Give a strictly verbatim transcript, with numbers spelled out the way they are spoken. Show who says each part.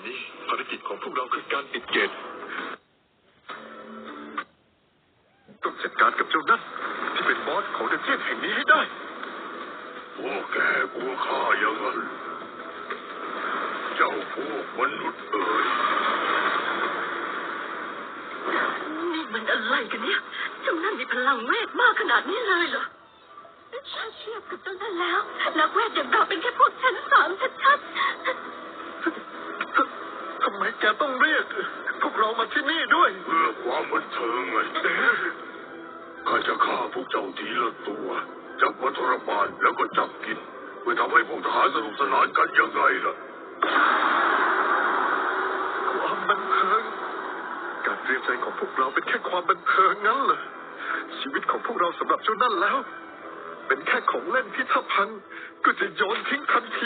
Speaker 1: นี้ภารกิจของพวกเราคือการปิดเกตต้องจัดการกับเจ้านั่นที่เป็นบอสของดันเจี้ยนแห่งนี้ให้ได้
Speaker 2: พวกแกกลัวข้าอย่างนั้นเจ้าพวกมนุษย์เอ๋ย
Speaker 3: นี่มันอะไรกันเนี่ยเจ้านั่นมีพลังเวทมากขนาดนี้เลยเหรอถ้าเทียบกับเจ้านั่นแล้วนักเวทอย่างเราเป็นแค่พวกชั้นสามชัด
Speaker 1: ทำไมแกต้องเรียกพวกเรามาที่นี่ด้วย
Speaker 2: เพื่อความบันเทิงไงข้าจะฆ่าพวกเจ้าทีละตัวจับมาทรมานแล้วก็จับกินเพื่อทำให้พวกทหารสนุกสนานกันยังไงล่ะ
Speaker 1: ความบันเทิงการเตรียมใจของพวกเราเป็นแค่ความบันเทิงงั้นเหรอชีวิตของพวกเราสำหรับเจ้านั่นแล้วเป็นแค่ของเล่นที่ถ้าพังก็จะโยนทิ้งทันที